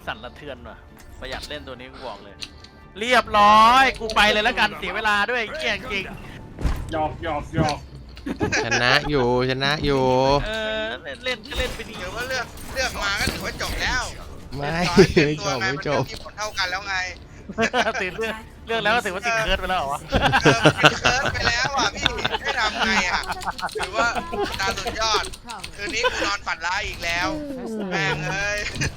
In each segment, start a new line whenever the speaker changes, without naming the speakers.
สั่นสะเทือนว่ะประหยัดเล่นตัวนี้กูบอกเลย เรียบร้อยกูไปเลยแล้วกันเสียเวลาด้วยเกี่ยงจริง
หยอก
ชนะอยู่
เล่นก็เล่นไปดี
เดี๋ยวว่าเลือกมาก็ถือว่าจบแล้ว
ไม่
เรียบร้อยเต็มตัวไงมัน
จบ
ที่ผลเท่ากันแล้วไง
ติดเรื่องแล้วก็ถือว่าติดเคิร์ดไปแล้วเหรอวะ
มันเคิร์ดไปแล้วอ่ะพี่ให้ทำไงอ่ะถือว่าตาสุดยอดคืนนี้กูนอนฝันร้ายอีกแล้วแม่งเอ้ย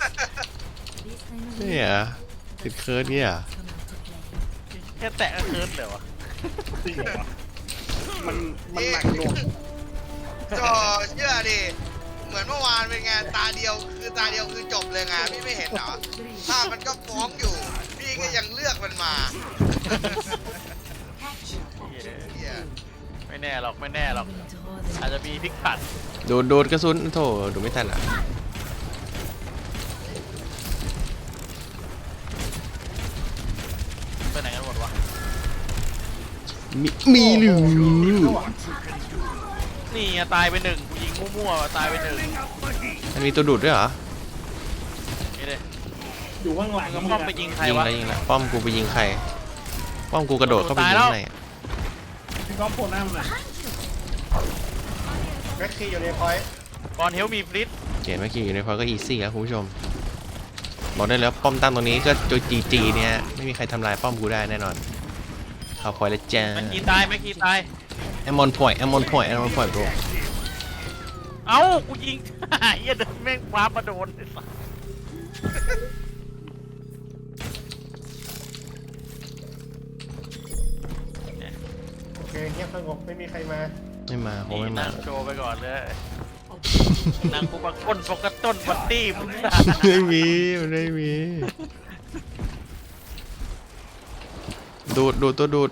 เนี่ยติดเคิร์ดเนี่ย
แค่แตะก็เคิร์ดเลยวะ
จริงเหรอวะมันหนักหน่วง
ก็เชื่อดิเหมือนเมื่อวานเป็นไงตาเดียวคือจบเลยไงพี่ไม่เห็นเหรอภาพมันก็ฟ้องอยู่พี่ก็ยังเลือกมันมาเหี้ย
ไม่แน่หรอกอาจจะมีพลิกผัน
โดดกระสุนโถดูไม่ทันอ่ะ
ไปไหนกันหมดวะ
มีหรือ
นี่ไงตายไปหนึ่งกูยิงมั่วๆตายไปหนึ่ง
มันมีตัวดูดด้วยเหรอ
นี่เลย
อยู่ข้างหลัง
แล้วป้อมไปยิงใคร
ยิง
วะ
แล้วป้อมกูไปยิงใครป้อมกูกระโดดเข้าไปยิงข้างในอะ
พี่ก๊อฟโผล่หน้ามันหน่อยแม็กซี่อยู่ในพอยต์
ก่อนเฮลมีฟลิต
เขียนเมื่อกี้อยู่ในพอยก็อีซี่ครับคุณผู้ชมบอกได้แล้วป้อมตั้งตรงนี้ก็จุดจีเนี่ยไม่มีใครทำลายป้อมกูได้แน่นอนเข้าพอยแล้วจ้า
แม็กกี้ตาย
แอมมอนพอยต์bro
เอ้ากูยิง เหี้ยเดินแม่งว้ามาโดนไอ้สัส
โอเคเงียบสงบไม่มีใครมา
ไม่มาคงไม่มา
นั่งโชว์ไปก่อนเลยนั่งกูปะก้นปกต้นบัตตี้มึง
ไม่มีมันไม่มีดูดตัวดูด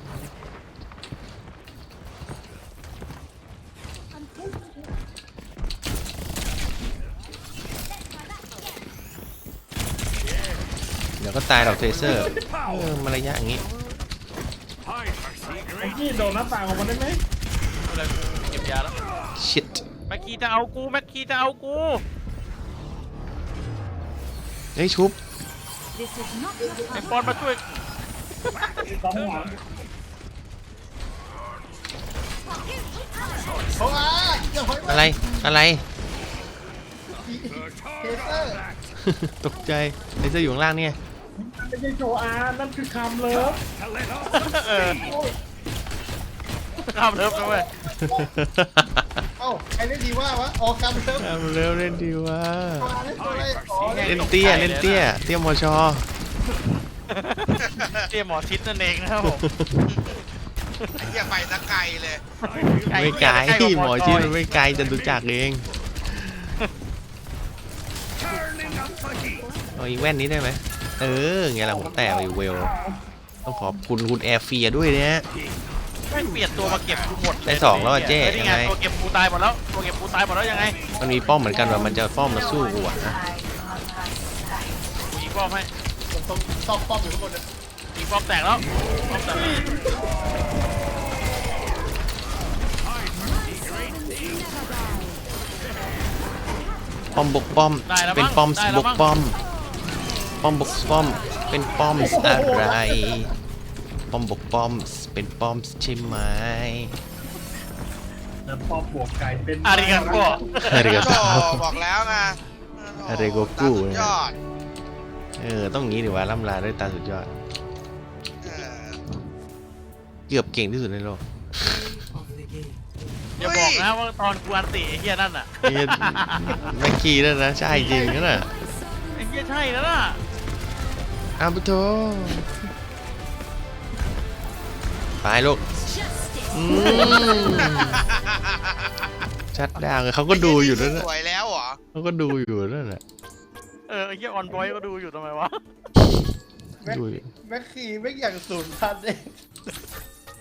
เดี๋ยวก็ตายหรอกเทเซอร์มารยาทอย่างงี้
ไอ้กี้โดนหน้าต่างออกมาได้ไหม
อะไรกูเก็บยาแล้ว
ชิต
แม็กกี้จะเอากู
เฮ้ยชุบ
ไอ้ปอนมาช่วย
ก๊อฟหัว
อะไรตกใจเทเซอร์อยู่ข้างล่างเนี่ย
มันไม่ใช่โชอาร์นั่นคือคำเลิฟ
ข้ามเลิฟนะเว้ย
เอ้าใครเล่นดีว่าวะออกคำเลิฟ
ทำเร็วเล่นดีว่า
เล่นตัวอะไรอ๋อ
เล่นเตี้ยมอชอ
เตี้ยหมอชิดนั่นเองนะครับผม
ไอ้เหี้ยไปตะไกลเลย
ไม่ไกลหมอชิดมันไม่ไกลจะดูจักเองเอาอีกแว่นนี้ได้ไหมไงล่ะผมแต่ไปเวลต้องขอบคุณคุณแอร์เฟียด้วยเนี่ย
ไม่เปลี่ยนตัวมาเก็บกูหมด
ได้สองแล้วอะเจ๊
นี่ไง
ยังไง
ตัวเก็บกูตายหมดแล้วยังไง
มันมีป้อมเหมือนกันว่ามันจะป้อมมาสู้กูอะนะ
กูยิงป้อมให้
ต้องซอกป้อมอยู่ข้างบนนะ
ยิงป้อมแตกแล้วป้อมแตกแล้ว
ป้อมบกป้อมเป็นป้อมบกป้อมป้อมบกป้อมเป็นป้อมอะไรป้อมบกป้อมเป็นป้อมใช่ไหม
แล้วป้อมบวกไก่เป็น
อาริกันก็
อะไรกัน
โธ่บอกแล้วไง
อะไรโกกุ
ตาสุดยอด
ต้องงี้ดีว่าล่ำลาด้วยตาสุดยอด
เออ
เกือบเก่งที่สุดในโลก
อย่าบอกนะว่าตอนกูอันติไอ้เหี้ยนั่นน่ะ
นี่แม็กกี้นั่นนะใช่จริงนั่นน่ะ
ไอ้เหี้ยใช่แล้วน่ะ
อาบุโตไปลูกชัดดาวเขาก็ดูอยู่นั่น
ส
น่ะ
วยแล้วเหรอ
เขาก็ดูอยู่นั่นน่ะ
ไอ้เหี้ยออนบอยก็ดูอยู่ทำไมวะ
ดูอยู่
แม็กซี่ไม่อย่างสูญพันธุ์เอง